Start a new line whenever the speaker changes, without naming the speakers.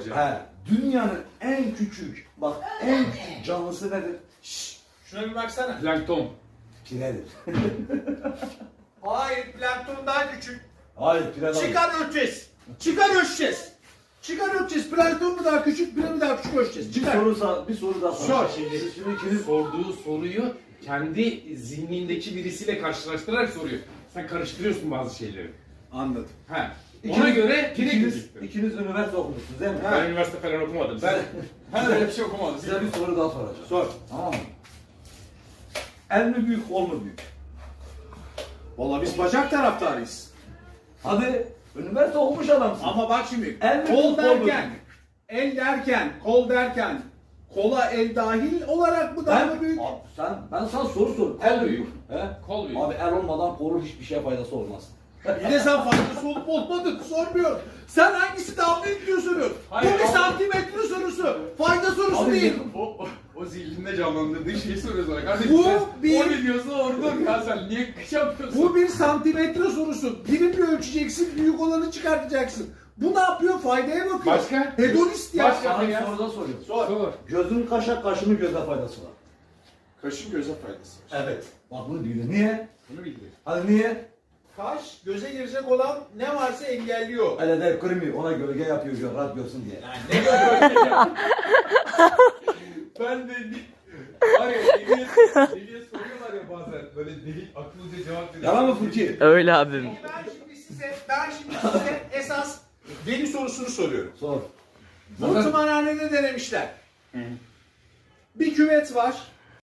soracağım.
He, dünyanın en küçük, bak en küçük canlısı nedir? Şşş,
Şuna bir baksana.
Plankton.
piredir.
Hayır, plankton daha küçük.
Hayır, pire değil.
Çıkar ölçeceğiz. Çıkar ölçeceğiz. Çıkar ölçeceğiz. Plankton mu daha küçük, pire mi daha küçük ölçeceğiz. Çıkar.
Bir soru daha
Sor.
soracağım. Şimdi ikiniz
Sorduğu soruyu kendi zihnindeki birisiyle karşılaştırarak soruyor. Sen karıştırıyorsun bazı şeyleri.
Anladım.
He. Ona göre pire
ikiniz
gözüktü.
üniversite okumuşsunuz değil mi?
Ben üniversite falan okumadım.
Ben
Öyle bir şey okumadım.
size bir soru daha soracağım.
Sor.
Tamam mı? El mi büyük, kol mu büyük?
Valla biz bacak taraftarıyız.
Hadi, üniversite okumuş adamsın.
Ama bak şimdi,
El mi,
kol
kol mu?
derken, el derken, kol derken, kola el dahil olarak mı daha mı büyük?
Abi ben sana soru sor. El
Kol
büyük. He?
Kol büyük.
Abi el olmadan kolun hiçbir şeye faydası olmaz.
Bir de sen faydası olup olmadığını sormuyor. Sen hangisi daha büyük diyor soruyorsun.
Hayır,
Bu bir
abi.
santimetre sorusu. Fayda sorusu
Abi,
değil.
O zihninde canlandırdığı şeyi soruyor sana. Kardeşim
Bu
sen
bir-
o biliyorsun oradan ya sen niye şey yapıyorsun?
Bu bir santimetre sorusu. Birimle ölçeceksin, büyük olanı çıkartacaksın. Bu ne yapıyor? Faydaya bakıyor.
Başka?
Hedonist ya.
Başka?
Sana bir
ya.
soru daha soruyorum.
Sor.
Gözün kaşa, kaşının göze faydası var.
Kaşın göze faydası var.
Evet. Bak bunu bildi. Niye?
Bunu bildi.
Hadi niye?
Kaş göze girecek olan ne varsa engelliyor.
Öyle de kırmıyor. Ona gölge yapıyor. Rahat görsün diye.
Yani ne görüyor?
Ben de var ya deliye soruyorlar ya bazen böyle deli akıllıca cevap veriyor.
Yalan mı Furki?
Öyle abim.
Ben şimdi size esas deli sorusunu soruyorum.
Sor.
Bu tımarhanede denemişler. Bir küvet var.